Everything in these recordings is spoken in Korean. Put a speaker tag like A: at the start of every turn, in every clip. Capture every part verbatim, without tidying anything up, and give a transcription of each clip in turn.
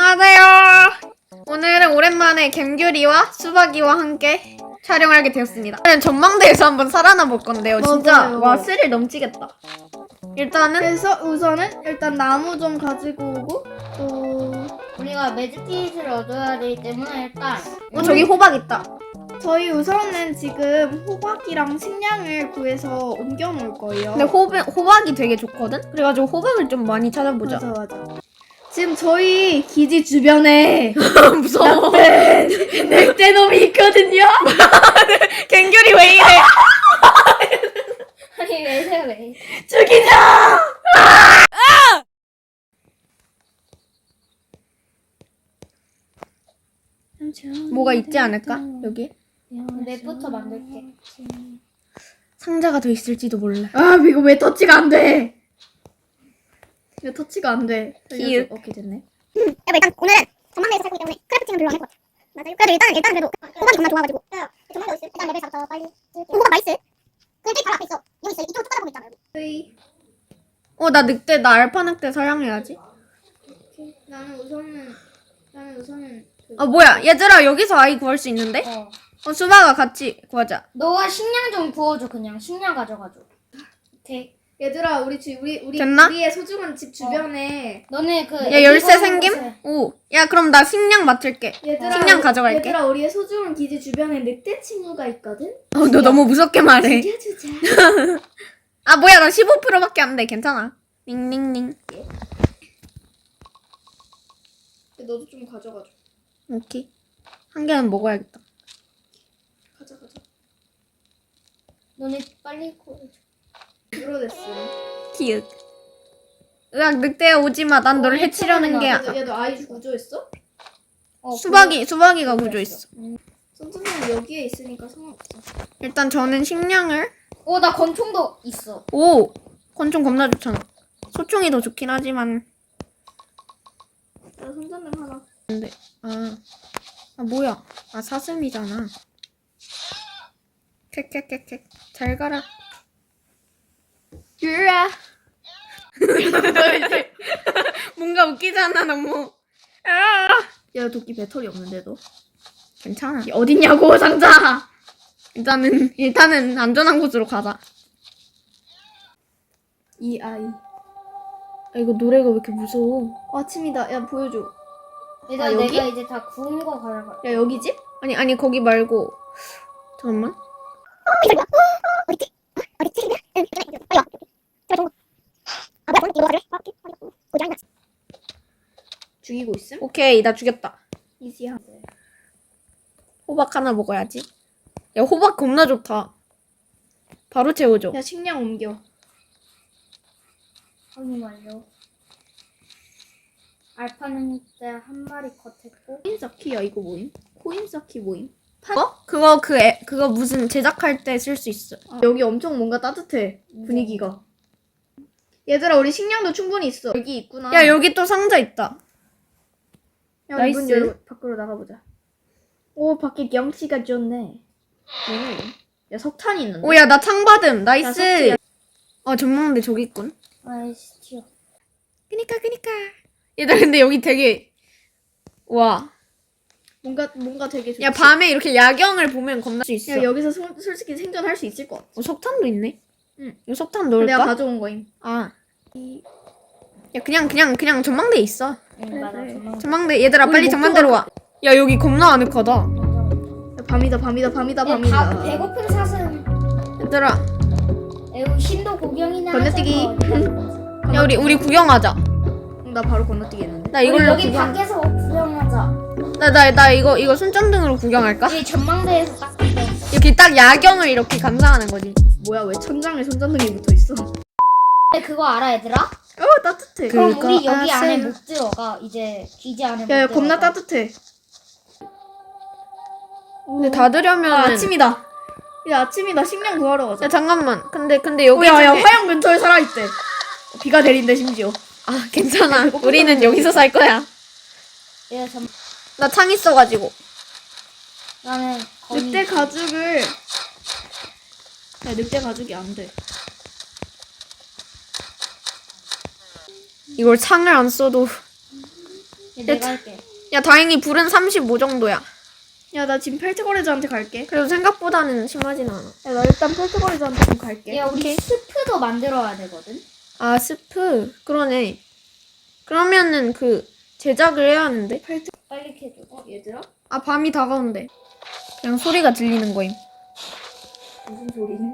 A: 안녕하세요. 오늘은 오랜만에 갬규리와 수박이와 함께 촬영하게 되었습니다. 오늘은 전망대에서 한번 살아나 볼 건데요. 진짜
B: 맞아요.
A: 와 스릴 넘치겠다. 일단은
B: 그래서 우선은 일단 나무 좀 가지고 오고 또
C: 우리가 매직킷을 얻어야 되기 때문에 일단
A: 어, 저기 호박 있다.
B: 저희 우선은 지금 호박이랑 식량을 구해서 옮겨 놓을 거예요.
A: 근데 호박, 호박이 되게 좋거든? 그래가지고 호박을 좀 많이 찾아보자.
B: 맞아 맞아. 지금 저희 기지 주변에
A: 무서워.
B: 늑대놈이 있거든요.
A: 갱규리 왜 이래?
C: 아니 왜 이래 왜
B: 죽이자.
A: 뭐가 있지 않을까? 여기?
C: 맵부터 만들게.
A: 상자가 더 있을지도 몰라.
B: 아 이거 왜 터치가 안 돼? 이거 터치가 안 돼.
A: 기육.
B: 오케이 됐네.
D: 그래도 일단 오늘은 전망대에서 살고 있기 때문에 크래프팅은 별로 안 할 것 같아. 맞아요. 그래도 일단 일단 그래도 호박이 정말 좋아가지고. 야, 전망대 어디 있어? 일단 레벨 사부터 빨리. 호박 나이스. 그럼 저기 바로 앞에 있어. 여기 있어. 이쪽으로 쭉 가다 보면 있잖아. 여기.
B: 저희
A: 어, 나 늑대, 나 알파 늑대 사냥해야지.
B: 나는 우선은 나는 우선은 그
A: 아, 뭐야. 얘들아, 여기서 아이 구할 수 있는데?
C: 어.
A: 어, 수박아 같이 구하자.
C: 너가 식량 좀 구워줘 그냥 식량 가져가줘. 오케이.
B: 얘들아 우리 집 우리 우리
A: 됐나?
B: 우리의 소중한 집 주변에
C: 너네 그
A: 야, 열쇠 생김? 오. 야, 그럼 나 식량 맡을게.
B: 얘들아
A: 식량 가져갈게.
B: 얘들아 우리의 소중한 기지 주변에 늑대 친구가 있거든.
A: 어, 너 너무 무섭게 말해.
B: 죽여주자.
A: 아, 뭐야. 나 십오 퍼센트밖에 안 돼. 괜찮아. 링링링.
B: 너도 좀 가져가줘.
A: 오케이. 한 개는 먹어야겠다.
B: 가자 가자.
C: 너네 빨리 구워줘.
B: 들어댔어.
A: 기윽. 으악, 늑대야 오지 마. 난 너를 해치려는 게
B: 얘도,
A: 아-
B: 얘도 아이 구조했어?
C: 어,
A: 수박이 수박이가 구조했어.
B: 선생님 여기에 있으니까 상관없어.
A: 일단 저는 식량을
C: 어나 권총도 있어.
A: 오 권총 겁나 좋잖아. 소총이 더 좋긴 하지만
B: 나 손전등 하나.
A: 근데 아, 아 뭐야? 아 사슴이잖아. 캣캣캣캣 잘 가라. 유라. 뭔가 웃기잖아 너무. 아
B: 야 도끼 배터리 없는데도.
A: 괜찮아.
B: 어딨냐고 상자.
A: 일단은 일단은 안전한 곳으로 가자.
B: 이 아이.
A: 아, 이거 노래가 왜 이렇게 무서워?
B: 아침이다. 야 보여줘.
C: 얘들아
B: 아, 여기?
C: 내가 이제 다 구운 거 가져가.
B: 야 여기 집?
A: 아니 아니 거기 말고 잠깐만.
D: 어딨지? 어? 어딨지? 응, 빨리 와. 제발 좀. 아 뭐야? 이거 가래? 아, 오케이. 어디 아니야?
B: 죽이고 있음?
A: 오케이 나 죽였다.
B: 이지야.
A: 호박 하나 먹어야지. 야 호박 겁나 좋다. 바로 채워줘.
B: 야 식량 옮겨.
C: 확인 완료. 알파는 이제 한 마리 컷했고.
B: 코인 쌓기야 이거 뭐임? 코인 쌓기 뭐임?
A: 어? 그거 그 애, 그거 무슨 제작할 때 쓸 수 있어.
B: 아, 여기 엄청 뭔가 따뜻해 분위기가. 얘들아 우리 식량도 충분히 있어. 여기 있구나.
A: 야 여기 또 상자 있다.
B: 야,
A: 나이스.
B: 문 열고 밖으로 나가보자. 오 밖에 경치가 좋네. 뭐야 이거? 야 석탄이 있는데.
A: 오야 나 창받음.
B: 야,
A: 나이스.
B: 석재야.
A: 어 전망대 저기 있군.
C: 아이씨 튀어.
A: 그니까 그니까. 얘들아 근데 여기 되게 와.
B: 뭔가 뭔가 되게 좋지.
A: 야 밤에 이렇게 야경을 보면 겁날 수 있어.
B: 야 여기서 소, 솔직히 생존할 수 있을 것 같아.
A: 어, 석탄도 있네.
B: 응.
A: 이거 석탄
B: 내가
A: 넣을까?
B: 가져온 거임.
A: 아. 야 그냥 그냥 그냥 전망대에 있어.
C: 응 맞아.
B: 그래.
C: 전망.
A: 전망대 얘들아
B: 우리
A: 빨리
B: 목표가
A: 전망대로 와. 야 여기 겁나 아늑하다.
B: 야, 밤이다 밤이다 밤이다
C: 야,
B: 밤이다.
C: 다 배고픈 사슴.
A: 얘들아
C: 에우 신도 구경이나
B: 건너뛰기.
C: 하자고.
A: 야 우리 우리 구경하자.
B: 응, 나 바로 건너뛰기 했는데.
A: 나
C: 우리
A: 이걸로
C: 여기
A: 구경.
C: 밖에서 구경하자.
A: 나 나 나 이거 이거 손전등으로 구경할까?
C: 우리 전망대에서 딱 구경.
A: 이렇게 딱 야경을 이렇게 감상하는 거지.
B: 뭐야 왜 천장에 손전등이 붙어 있어?
C: 근데 그거 알아 얘들아?
B: 어 따뜻해.
A: 그-
C: 그럼
A: 그거
C: 우리 여기 안에
A: 아세요?
C: 못 들어가. 이제 기지 안에 못
B: 야, 야
C: 들어가.
B: 겁나 따뜻해.
A: 근데 닫으려면
B: 아, 아침이다. 야 아침이다. 식량 구하러 가자.
A: 야 잠깐만. 근데 근데 여기
B: 어, 야, 야,
A: 중에-
B: 화영 근처에 살아있대. 비가 내린대, 심지어.
A: 아 괜찮아.
B: 배고프다.
A: 우리는 여기서 살 거야.
C: 얘 전.
A: 나 창 있어가지고.
C: 나는 거미.
B: 늑대 가죽을. 야, 늑대 가죽이 안 돼.
A: 이걸 창을 안 써도
C: 내가 할게.
A: 야 다행히 불은 삼십오 정도야.
B: 야, 나 지금 펠트거래자한테 갈게.
A: 그래도 생각보다는 심하진 않아.
B: 야, 나 일단 펠트거래자한테 좀 갈게.
C: 야 우리 스프도 만들어야 되거든.
A: 아 스프 그러네. 그러면은 그 제작을 해야 하는데.
C: 빨리 캐줘.
B: 어, 얘들아?
A: 아 밤이 다가온대. 그냥 소리가 들리는 거임.
B: 무슨 소리니?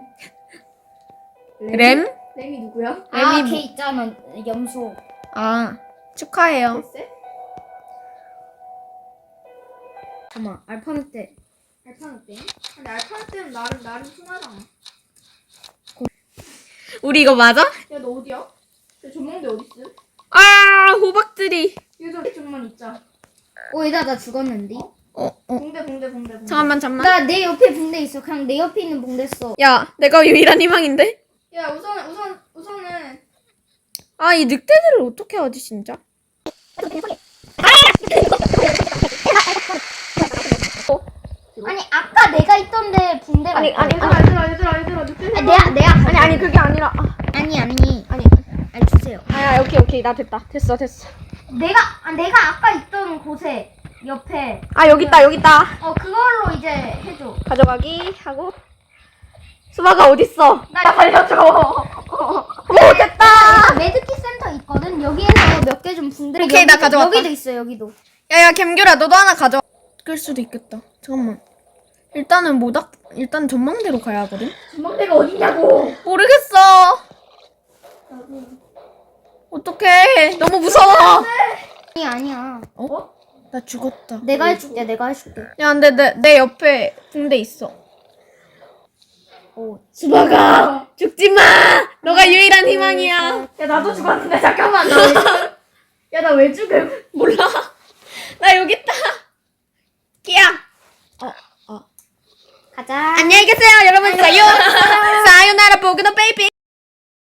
A: 램?
B: 램이 누구야?
C: 아,
A: 램이
C: 걔
A: 뭐-
C: 있잖아. 염소.
A: 아 축하해요.
B: 글쎄?
C: 잠깐만. 알파벳 때.
B: 알파벳 때? 근데 알파벳 때는 나름, 나름 순하잖아.
A: 우리 이거 맞아?
B: 야, 너 어디야? 야, 전망대 어딨음?
A: 아 호박들이.
B: 여기서 좀만 있자.
C: 오 얘들아 나 죽었는데.
A: 어 어.
B: 공대, 공대, 공대, 공대.
A: 잠깐만 잠만.
C: 나 내 옆에 붕대 있어. 그냥 내 옆에 있는 붕대 써.
A: 야 내가 유일한 희망인데.
B: 야, 우선, 우선, 우선은.
A: 아 이 늑대들을 어떻게 하지 진짜?
C: 아니 아까 내가 있던데 붕대가
A: 아니, 아니,
C: 있거든.
B: 얘들아, 얘들아, 얘들아, 얘들아, 늑대
C: 아, 내가 내가
A: 아니 아니 그게 아니라. 아,
C: 아니 아니
A: 아니.
C: 아니 주세요.
A: 아 오케이 오케이 나 됐다. 됐어 됐어.
C: 내가 아, 내가 아까 있던 곳에 옆에
A: 아 여기 있다 여기 있다.
C: 어 그걸로 이제 해줘.
A: 가져가기 하고. 수박아 어딨어?
C: 나
A: 살려줘.
C: 오 됐다. 메드킷 센터 있거든. 여기에서 몇 개 좀 붕대.
A: 오케이, 나 가져왔다.
C: 여기도 있어 여기도.
A: 야야 gem규라 너도 하나 가져. 끌 수도 있겠다. 잠깐만. 일단은 모닥 일단 전망대로 가야 하거든.
B: 전망대가 어디냐고!
A: 모르겠어. 어떡해. 너무 무서워.
C: 아니 아니야.
A: 어? 나 죽었다.
C: 내가 해줄게. 내가 해줄게.
A: 야 근데 내, 내 옆에 붕대 있어.
C: 오.
A: 수박아 죽지 마. 너가 유일한 희망이야.
B: 야, 나도 죽었는데, 잠깐만, 나 왜 죽음? 야, 나 왜 죽음?
A: 몰라. 나 여기 있다. 끼야.
C: 가자.
A: 안녕히 계세요 여러분. 자요.